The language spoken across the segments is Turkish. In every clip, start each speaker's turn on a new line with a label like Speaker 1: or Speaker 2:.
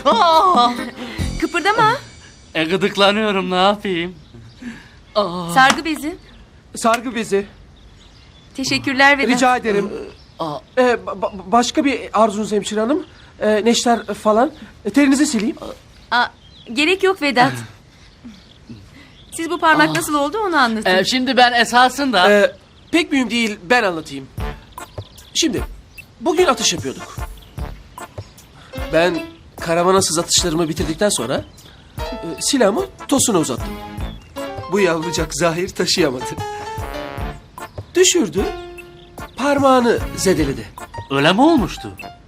Speaker 1: Kıpırdama.
Speaker 2: Gıdıklanıyorum, ne yapayım?
Speaker 1: Sargı bezi.
Speaker 3: Sargı bezi.
Speaker 1: Teşekkürler Vedat.
Speaker 3: Rica ederim. Başka bir arzunuz hemşire hanım? Neşter falan. Terinizi sileyim.
Speaker 1: Gerek yok Vedat. Siz bu parmak nasıl oldu onu anlatın.
Speaker 2: Şimdi ben esasında...
Speaker 3: Pek mühim değil, ben anlatayım. Şimdi, bugün atış yapıyorduk. Ben karavana atışlarımı bitirdikten sonra silahımı Tosun'a uzattım. Bu yavrucak Zahir taşıyamadı. Düşürdü, parmağını zedeledi.
Speaker 2: Öyle mi olmuştu?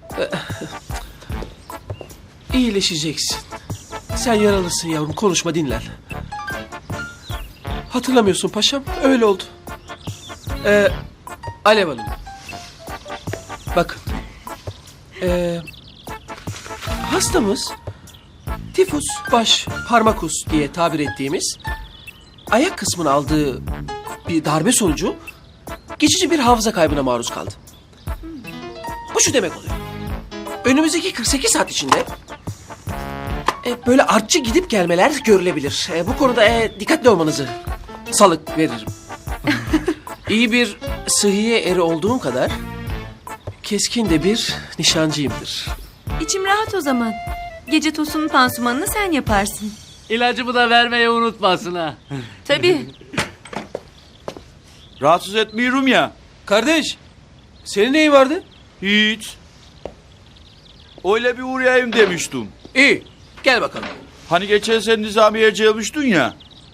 Speaker 3: İyileşeceksin. Sen yaralısın yavrum, konuşma, dinlen. Hatırlamıyorsun paşam, öyle oldu. Alev Hanım. Bakın. Hastamız tifus baş parmakus diye tabir ettiğimiz ayak kısmını aldığı bir darbe sonucu geçici bir hafıza kaybına maruz kaldı. Bu şu demek oluyor. Önümüzdeki 48 saat içinde böyle artçı gidip gelmeler görülebilir. Bu konuda dikkatli olmanızı salık veririm. İyi bir sıhhiye eri olduğum kadar keskin de bir nişancıyımdır.
Speaker 1: İçim rahat o zaman. Gece Tosun'un pansumanını sen yaparsın.
Speaker 2: İlacımı da vermeyi unutmasın ha.
Speaker 1: Tabii.
Speaker 4: Rahatsız etmiyorum ya.
Speaker 3: Kardeş, senin neyin vardı?
Speaker 4: Hiç. Öyle bir uğrayayım demiştim.
Speaker 3: İyi, gel bakalım.
Speaker 4: Hani geçen sen Nizamiye'ye gelmiştin ya.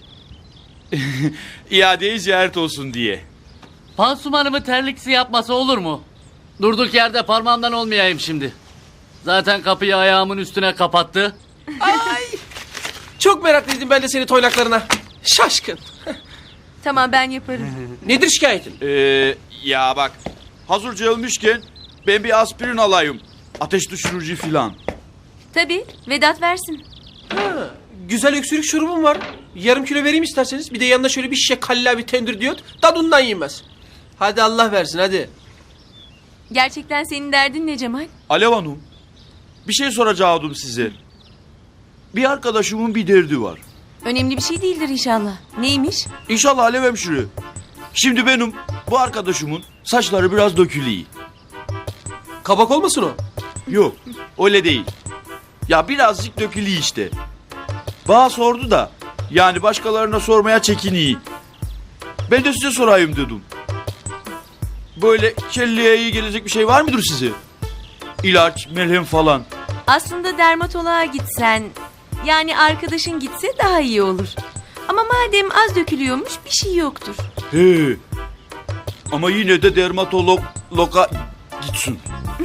Speaker 4: İadeyi ziyaret olsun diye.
Speaker 2: Pansumanımı terliksi yapması olur mu? Durduk yerde parmağımdan olmayayım şimdi. Zaten kapıyı ayağımın üstüne kapattı.
Speaker 3: Ay, çok meraklıydım ben de senin toynaklarına. Şaşkın.
Speaker 1: Tamam ben yaparım.
Speaker 3: Nedir şikayetin?
Speaker 4: Ya bak. Hazır gelmişken ben bir aspirin alayım. Ateş düşürücü filan.
Speaker 1: Tabii Vedat versin.
Speaker 3: Güzel öksürük şurubum var. Yarım kilo vereyim isterseniz. Bir de yanına şöyle bir şişe kallavi tendür diyot. Tadından yenmez. Hadi Allah versin hadi.
Speaker 1: Gerçekten senin derdin ne Cemal?
Speaker 4: Alev Hanım. Bir şey soracaktım size. Bir arkadaşımın bir derdi var.
Speaker 1: Önemli bir şey değildir inşallah. Neymiş?
Speaker 4: İnşallah Alev hemşire. Şimdi benim bu arkadaşımın saçları biraz dökülüyor.
Speaker 3: Kabak olmasın o?
Speaker 4: Yok öyle değil. Ya birazcık dökülüyor işte. Bana sordu da yani başkalarına sormaya çekiniyor. Ben de size sorayım dedim. Böyle kelleye iyi gelecek bir şey var mıdır size? İlaç, merhem falan.
Speaker 1: Aslında dermatoloğa gitsen, yani arkadaşın gitse daha iyi olur. Ama madem az dökülüyormuş bir şey yoktur.
Speaker 4: He. Ama yine de dermatologa gitsin.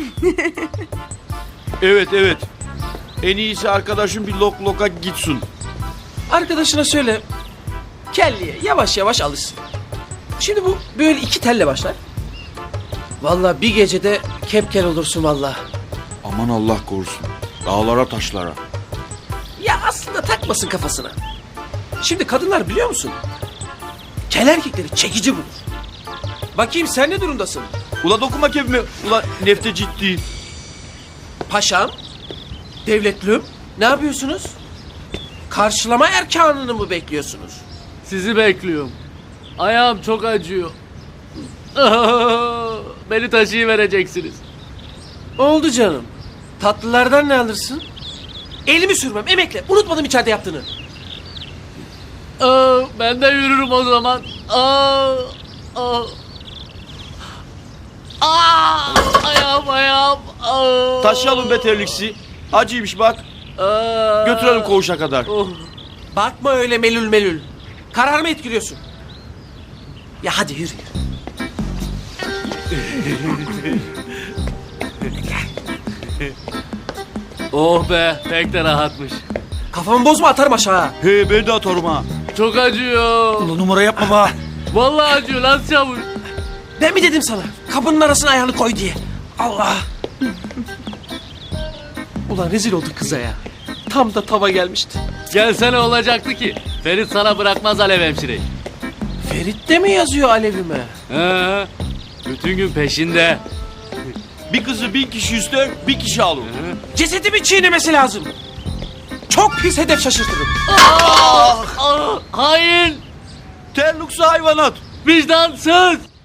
Speaker 4: Evet. En iyisi arkadaşım bir loka gitsin.
Speaker 3: Arkadaşına söyle. Kelliye yavaş yavaş alışsın. Şimdi bu böyle 2 telle başlar. Vallahi bir gecede kepkel olursun vallahi.
Speaker 4: Aman Allah korusun. Dağlara taşlara.
Speaker 3: Ya aslında takmasın kafasına. Şimdi kadınlar biliyor musun? Kel erkekleri çekici bulur. Bakayım sen ne durumdasın?
Speaker 4: Ula dokunma kebime. Ula nefte ciddi.
Speaker 3: Paşam, devletlüm, ne yapıyorsunuz? Karşılama erkanını mı bekliyorsunuz?
Speaker 2: Sizi bekliyorum. Ayağım çok acıyor. Beni taşıyıvereceksiniz.
Speaker 3: Oldu canım. Tatlılardan ne alırsın? Elimi sürmem, emekle. Unutmadım içeride yaptığını.
Speaker 2: Ben de yürürüm o zaman. Ayağım.
Speaker 4: Taşıyalım beterliksi. Acıymış bak. Götürelim koğuşa kadar.
Speaker 3: Bakma öyle melül. Kararımı etkiliyorsun. Ya hadi yürü.
Speaker 2: Oh be, pek de rahatmış.
Speaker 3: Kafamı bozma, atarım aşağı.
Speaker 4: He ben de atarım ha.
Speaker 2: Çok acıyor.
Speaker 4: Ula numara yapma bak.
Speaker 2: Vallahi acıyor lan çavuş.
Speaker 3: Ben mi dedim sana? Kapının arasına ayağını koy diye. Allah. Ulan rezil olduk kıza ya. Tam da tava gelmişti.
Speaker 2: Gelsene olacaktı ki. Ferit sana bırakmaz Alev hemşireyi.
Speaker 3: Ferit de mi yazıyor alevime?
Speaker 2: He, bütün gün peşinde.
Speaker 4: Bir kızı 1000 kişi ister, bir kişi alır.
Speaker 3: Cesedimi çiğnemesi lazım. pis hedef şaşırtırım.
Speaker 2: Hain!
Speaker 4: Terluksi hayvanat.
Speaker 2: Vicdansız!